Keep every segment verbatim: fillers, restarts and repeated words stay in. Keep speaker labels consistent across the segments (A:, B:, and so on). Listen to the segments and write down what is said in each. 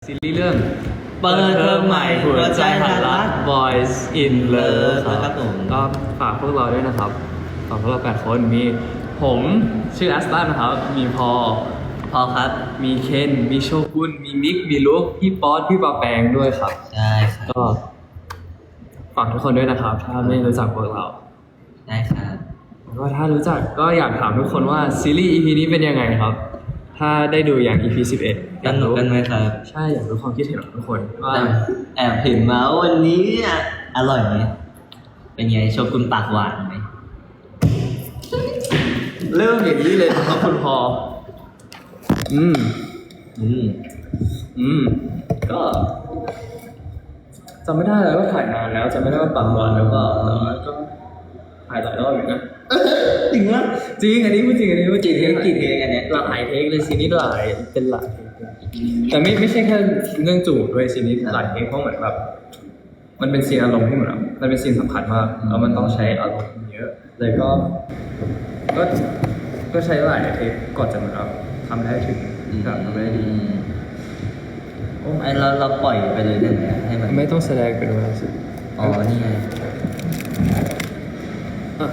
A: ซีรีส์เรื่อง
B: เปิดเทอมใหม่หัวใจหันรัก
A: Boys in Love
B: ครับผม
A: ก็ฝากพวกเราด้วยนะครับฝากพวกเราแปดคนมีผมชื่อแอสตันนะครับมีพอ
B: พอครับ
A: มีเคนมีโชกุนมีมิกมีลุกพี่ป๊อตพี่ปาแปงด้วยครับ
B: ใช่ครับ
A: ก็ฝากทุกคนด้วยนะครับถ้าไม่รู้จักพวกเรา
B: ได้ครับ
A: ก็ถ้ารู้จักก็อยากถามทุกคนว่าซีรีส์ อี พี นี้เป็นยังไงครับ ถ้าได้ดูอย่าง อี พี สิบเอ็ด
B: กันหนุกกันไหมครับ
A: ใช่อยากรู้ความคิดเห็นของทุกคนว่า
B: แต่แอบเห็นมาว่าวันนี้อ่ะอร่อยไหมเป็นไงโชกุนปากหวานไหม
A: เริ่มอย่างนี้เลยนะครับคุณพอ อืม
B: อืม
A: อืม ก็จำไม่ได้แล้วว่าถ่ายนานแล้วจำไม่ได้ว่าปากหวานแล้วก็แต่ว่าก็ถ่ายหลายรอบอยู่นะ
B: จริงวะ
A: จริงอันนี้พูดจริงอันนี้พูดจริง
B: กี่เทคกี่เทคกันเนี่ย
A: หลายเทคเลยซีนี้หลายเป็นหลายเทคแต่ไม่ไม่ใช่แค่เรื่องจูบด้วยซีนี้หลายเทคเพราะเหมือนแบบมันเป็นซีนอารมณ์ที่เหมือนแบบมันเป็นซีนสำคัญมากแล้วมันต้องใช้อารมณ์เยอะเลยก็ ก็ก็ใช้หลายเทคก่อนจะเหมือนแบบทำได้ถึงแบบทำได้ดี
B: โอ้ไอเราเราปล่อยไปเลยได้ไหมให้มัน
A: ไม่ต้องแสดงเป็นเวลาสิ
B: อ๋อนี่ไง
A: อ่ะ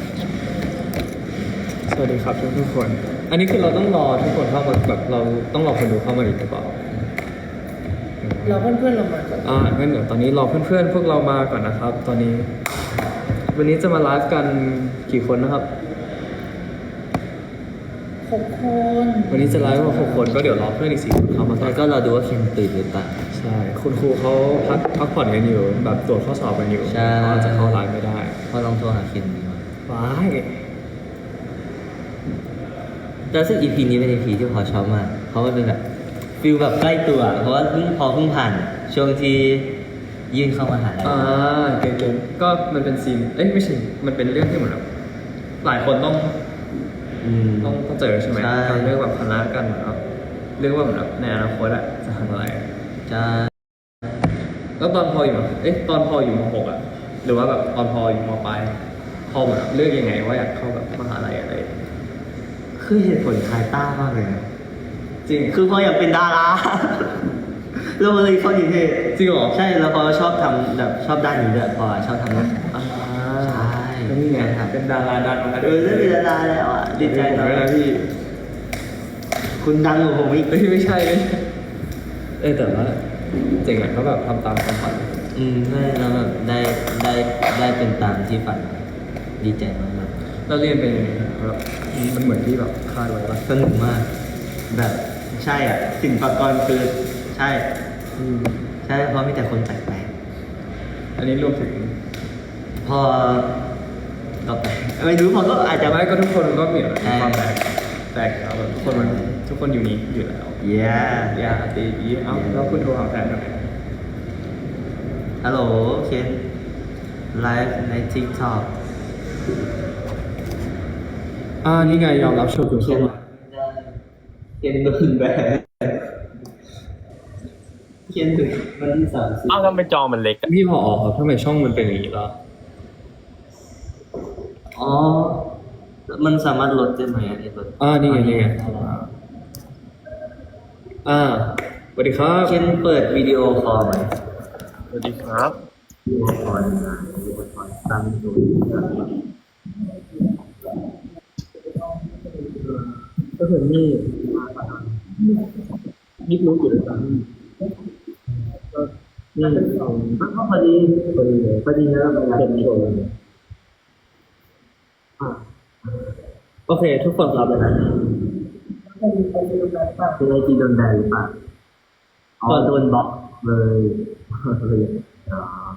A: สวัสดีครับทุกทุกคน อันนี้คือเราต้องรอทุกคนเข้ามาแบบเราต้องรอคนดูเข้ามาอีกหรือเปล่า
C: เราเพื่อนๆเรามาก่อน
A: อ่างั้นเดี๋ยวตอนนี้รอเพื่อนๆพวกเรามาก่อนนะครับ ตอนนี้ วันนี้จะมาไลฟ์กันกี่คนนะครับ
C: หกคน
A: วันนี้จะไลฟ์มาหกคนก็เดี๋ยวรอเพื่อนอีกสี่คนเข้ามาก่อ
B: แล้
A: น
B: วก็เราดูว่าเคนตื่นหรือเปล่า
A: ใช่ คุณครูเขาพักพักผ่อนกันอยู่ แบบตรวจข้อสอบกันอยู่
B: ใช่
A: ก็จะเข้าไลฟ์ไม่ได้
B: พอลองโทรหาเคนดีกว่า
A: ว้าย
B: แต่ซึ่ง อี พี นี้เป็น อี พี ที่พอชอบมาก เพราะมันเป็นแบบฟิลแบบใกล้ตัว เพราะว่าเพิ่งพอเพิ่งผ่านช่วงที่ยื่นเข้ามาหาลัย
A: อ่าเก่งๆก็มันเป็นซีน เอ้ยไม่ใช่ มันเป็นเรื่องที่เหมือนแบบหลายคนต้อง
B: อืม
A: ต้องต้องเจอใช่ไหม
B: ใช่
A: การเลือกแบบคณะกันเหมือนแบบเลือกว่าเหมือนแบบในอนาคตอะจะทำอะไรอะ
B: จะ
A: แล้วตอนพออยู่มเอ๊ะตอนพออยู่มหกอะหรือว่าแบบตอนพออยู่มปลายพอเหมือนแบบเลือกยังไงว่าอยากเข้าแบบมหาลัยอะไร
B: คือเหตุผลคลายต้ามากเลยนะ
A: จริง
B: คือพออยากเป็นดารา เราเลยเข้านิเทศ
A: จริงเหรอ
B: ใช่แล้วพอชอบทำแบบชอบด้านนี้ด้วยพอชอบทำนั้น
A: อ่า
B: ใช่
A: ก็นี่ไงเป็นดาราดังมา
B: เออได้เป็นดาราแล้วอ่ะดีใจ
A: ผม
B: นะ
A: ด้วยนะพี่
B: คุณดังกว่าผมอีก
A: เอ้ยไม่ใช่ไม่ใช่เอ้ยแต่ว่าเจ๋งอะเขาแบบทำตามความฝัน
B: อืมใช่แล้วแบบได้ได้ได้เป็นตามที่ฝันดีใจมาก
A: เราเรียนเป็นยังไงแบบมันเหมือนที่แบบคาดไว้ปะ
B: ๆสนุกมาก แบบใช่อ่ะสินปากรคือใช่
A: อืม
B: ใช่เพราะมีแต่คนแปลก
A: อันนี้รวมถึง
B: ๆพอก็แปลกไม่รู้พอก็อาจจะ
A: แต่
B: ไม่
A: ไม่ก็ทุกคนก็มี
B: ใช่
A: ความแตกแตกแล้วแบบทุกคนมันทุกคนอยู่นี้อยู่แล้ว
B: เย้
A: อย่าตีอีเอ้าแล้วคุณโทรหาแฟนทำไม
B: ฮัลโหลเคนไลฟ์ใน TikTok
A: อ่านี่ไงยอมรับโชว์คุณ
B: เคน
A: เข้ามา
B: เคนโดนแบนเคนถึงวันที่สามสิบ
D: อ้าวทำไมจอมันเล็กอะ
A: พี่พอออกครับทำไมช่องมันเป็นอย่างนี้ล่ะ
B: อ๋อ มันสามารถลดได้ไหมอันนี้ลด
A: อ่านี่ไงนี่ไงอ่าสวัสดีครับ
B: เคนเปิดวิดีโอคอลไหม
D: สวัสดีครับ
B: วิดีโอคอลนะวิดีโอคอลตั้งดู
A: ก็คือนี่นี่รู้อยู่แล้วก็นี่
B: มันก็พอดีพอดีเลยพอดีแล้วมันเป็นโชว์เลย
A: อ่าโอเค ทุกคนรับเลยนะ
B: เป็นไอจีโดนแบนหรือเปล่าอ๋อโดนบล็อกเลยเลยอ๋อ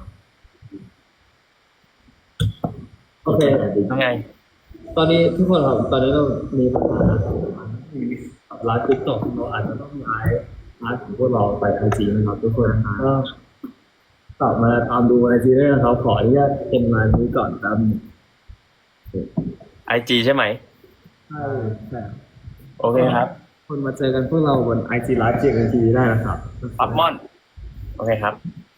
A: โอเค
D: ยังไง
A: ตอนนี้ทุกคนครับตอนนี้เรามีปัญหามีไลฟ์ติ๊กต็อกเราอาจจะต้องไลฟ์ไลฟ์ของพวกเราไปไอจีนะครับทุกคนก็กลับมาตามดูไอจีด้วยนะครับขออนุญาตเป็นมานี้ก่อนครับ
D: ไอจีใช่ไหม
A: ใช่ใช่
D: โอเคครับ
A: คนมาเจอกันพวกเราบนไอจีไลฟ์เจกันทีได้นะครับ
D: ปับมอน โอเคครับ